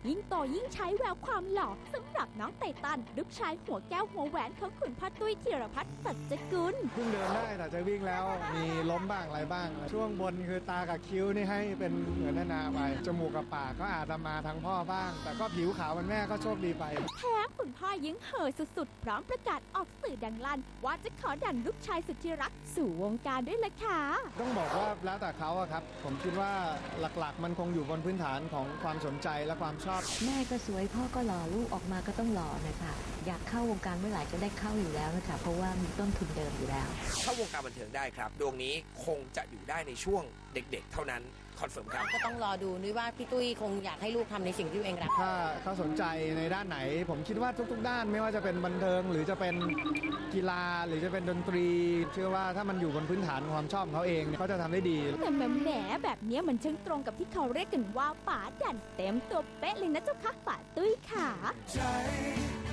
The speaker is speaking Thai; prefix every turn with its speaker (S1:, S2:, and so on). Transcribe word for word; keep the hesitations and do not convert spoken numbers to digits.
S1: ยิ่งโตยิ่งใช้แววความหล่อสำหรับน้องไตตันลูกชายหัวแก้วหัวแหวนของคุณพ่อตุ้ยธีรพัฒน์สัจกุล
S2: เพิ่งเดินได้แต่จะวิ่งแล้วมีล้มบ้างอะไรบ้าง ช่วงบนคือตากับคิ้วนี่ให้เป็นเหมือนนานาไปจมูกกับปากก็อาจจะมาทางพ่อบ้าง แต่ก็ผิวขาวมันแม่ก็โชคดีไป
S1: แถมคุณพ่อยิ่งเห่อสุดๆพร้อมประกาศออกสื่อดังลั่นว่าจะขอดันลูกชายสุดที่รักสู่วงการด้วยล่ะค่ะ
S2: ต้องบอกว่าแล้วแต่เขาอะครับผมคิดว่าหลักๆมันคงอยู่บนพื้นฐานของความสนใจและความชอบ
S3: แม่ก็สวยพ่อก็หล่อลูกออกมาก็ต้องหล่อนะคะอยากเข้าวงการเมื่อไหร่จะได้เข้าอยู่แล้วนะคะเพราะว่ามีต้นทุนเดิมอยู่แล้ว
S4: เข้าวงการบันเทิงได้ครับดวงนี้คงจะอยู่ได้ในช่วงเด็กๆเท่านั้นคอนเฟิร์มครับ
S5: ก็ต้องรอดูนุ้ยว่าพี่ตุ้ยคงอยากให้ลูกทำในสิ่งที่ตัวเองรัก
S2: ถ้าเขาสนใจในด้านไหนผมคิดว่าทุกๆด้านไม่ว่าจะเป็นบันเทิงหรือจะเป็นกีฬาหรือจะเป็นดนตรีเชื่อว่าถ้ามันอยู่บนพื้นฐานความชอบของเขาเองเขาจะทำได้ดี
S1: แต่แหมแหมแบบนี้มันช่างตรงกับที่เขาเรียกกันว่าป๋าดันเต็มตัวเป๊ะเลยนะเจ้าค่ะป๋าตุ้ยค่ะ